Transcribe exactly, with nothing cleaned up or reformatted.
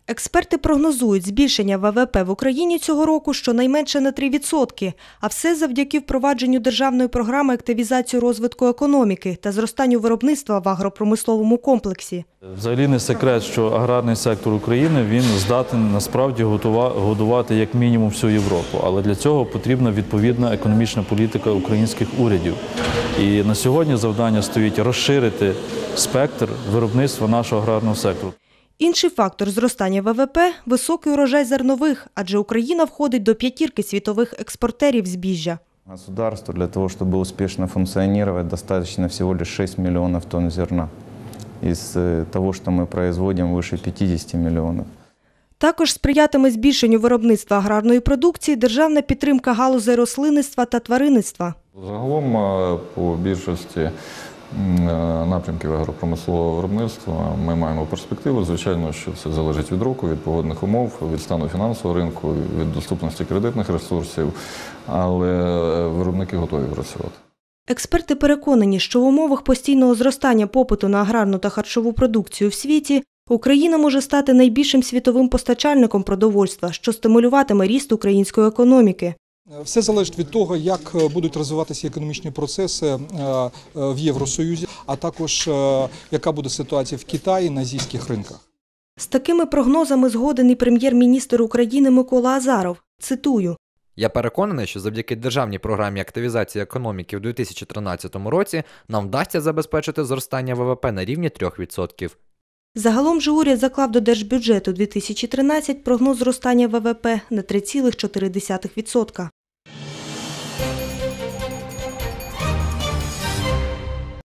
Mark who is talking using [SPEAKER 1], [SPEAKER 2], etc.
[SPEAKER 1] Експерти прогнозують збільшення Ве Ве Пе в Україні цього року щонайменше на три відсотки, а все завдяки впровадженню державної програми активізації розвитку економіки та зростанню виробництва в агропромисловому комплексі.
[SPEAKER 2] Взагалі не секрет, що аграрний сектор України він здатен насправді годувати як мінімум всю Європу, але для цього потрібна відповідна економічна політика українських урядів. І на сьогодні завдання стоїть розширити спектр виробництва нашого аграрного сектору.
[SPEAKER 1] Інший фактор зростання Ве Ве Пе – високий урожай зернових, адже Україна входить до п'ятірки світових експортерів збіжжя.
[SPEAKER 3] Государству для того, чтобы успешно функционировать, достаточно всего лишь шесть миллионов тонн зерна. Из того, что мы производим, выше пятидесяти миллионов.
[SPEAKER 1] Також сприятиме збільшенню виробництва аграрної продукції державна підтримка галузей рослинництва та тваринництва.
[SPEAKER 4] Загалом по більшості напрямків агропромислового виробництва ми маємо перспективу. Звичайно, що це залежить від року, від погодних умов, від стану фінансового ринку, від доступності кредитних ресурсів, але виробники готові працювати.
[SPEAKER 1] Експерти переконані, що в умовах постійного зростання попиту на аграрну та харчову продукцію в світі Україна може стати найбільшим світовим постачальником продовольства, що стимулюватиме ріст української економіки.
[SPEAKER 5] Все залежить від того, як будуть розвиватися економічні процеси в Євросоюзі, а також яка буде ситуація в Китаї на азійських ринках.
[SPEAKER 1] З такими прогнозами згоден і прем'єр-міністр України Микола Азаров. Цитую.
[SPEAKER 6] Я переконаний, що завдяки державній програмі активізації економіки в дві тисячі тринадцятому році нам вдасться забезпечити зростання Ве Ве Пе на рівні трьох відсотків.
[SPEAKER 1] Загалом же уряд заклав до держбюджету дві тисячі тринадцятого прогноз зростання Ве Ве Пе на три цілих чотири десятих відсотка.